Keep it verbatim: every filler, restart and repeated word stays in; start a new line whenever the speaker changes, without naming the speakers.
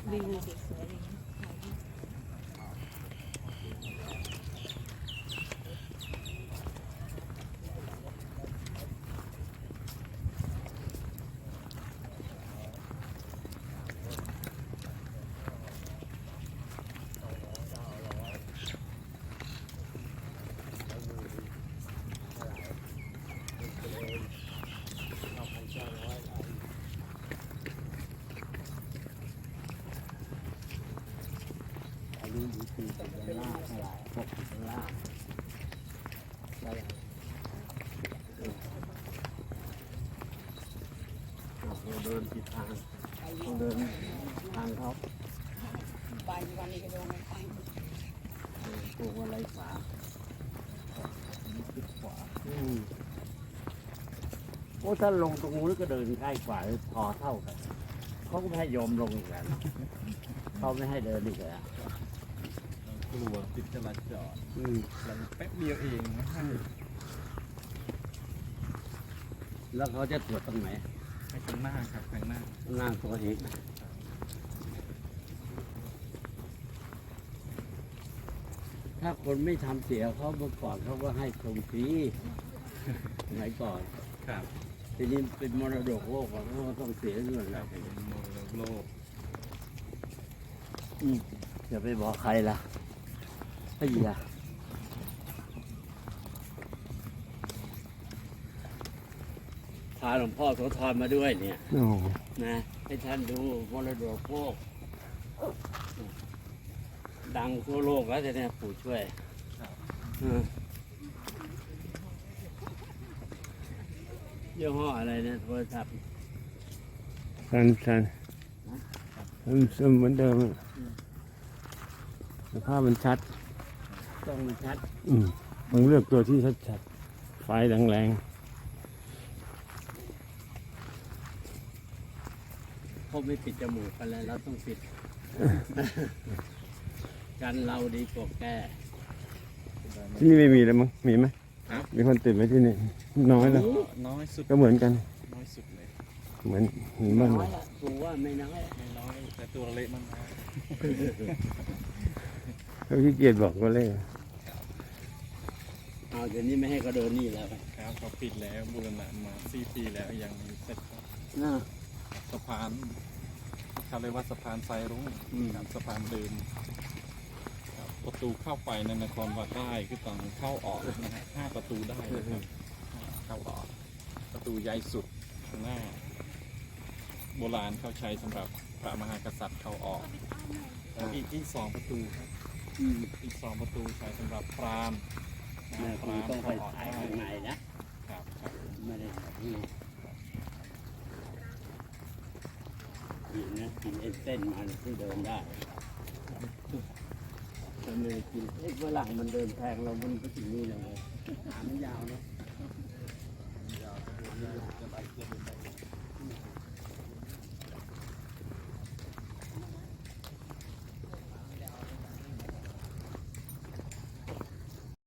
วิวสวยๆอย่างนี้
ดูดูตีเป็นล่าเท่าไหร่หกเป็นล่าได้เราเดินผิดทางเราเดินทางเขาไปวันนี้ก็โดนไปปลูกอะไรขวาขวาโอ้ถ้าลงตรงนู้นก็เดินใกล้กว่าพอเท่ากันเขาก็ไม่ให้ยอมลงอีกแล้วเขาไม่ให้เดินอีกแล้ว
กลัวติดจราจรเราแป๊บเดียวเองนะฮะ
แล้วเขาจะตรวจตรงไหน
ให้ข้างหน้าครับข้างหน้า
หน้าตัวเองถ้าคนไม่ทำเสียเขาเมื่อก่อนเขาก็ให้ชมฟรีสมัยก่อน
ครับ
ทีนี้เป็นมรดกโลกเขาก็ต้องเสียเงินแล้ว
เป็นมรดกโลก
จะไปบอกใครล่ะไอ้ยาพาหลวงพ่อโสธรมาด้วยเนี่ยนะให้ท่านดูมรดกโลกดังทั่วโลกแล้วแต่เนี่ยปู่ช่วยยี่ห้ออะไรเนี่ยโทรศัพท์
สันสันมันเหมือนเดิมภาพมันชัด
ต้องมันชัด
อืมมึงเลือกตัวที่ชัดชัดไฟแรงแรง
เขาไม่ปิดจมูกกันแล้วเราต้องปิด กันเราดีกว่าแก่
ที่นี่ไม่มีแล้วมั้งมีไหมมีคนติดไหมที่นี่น้อยแล้ว
น้อยสุด
ก็เหมือนกัน
น้อยสุดเลย
เหมือนเหมือนบ้าน
เราถูว่าไม่น้อย
ไม่น้อยแต่ตัวเล็กมันนะ
เขาขี้เกียจบอกก็เลย
เอาเดี๋ยวนี้ไม่ให้เขาเดินนี่แล้ว
ครับเขาปิดแล้วบูรณะมาสี่ปีแล้วยังไม่เสร็จสะพานเขาเรียกว่าสะพานไซรุ้งครับสะพานเดินประตูเข้าไปในนครวัดได้คือต้องเข้าออกนะฮะห้าประตูได้เลยครับเข้าออกประตูใหญ่สุดข้างหน้าโบราณเขาใช้สำหรับพระมหากษัตริย์เข้าออกอีกอีกสองประตูครับอีกสองประตูใช้สำหรับพราหมณ์
พราหมณ์ต้องไปถ่ายข้างในนะครับไม่ได้ถ่ายที่กินนะกินเอ็นเส้นมันที่เดินได้เราไม่ได้กินเอ็นฝรั่งมันเดินแพงเรามันก็ถึงนี่เลยหาไม่ยาวเนาะ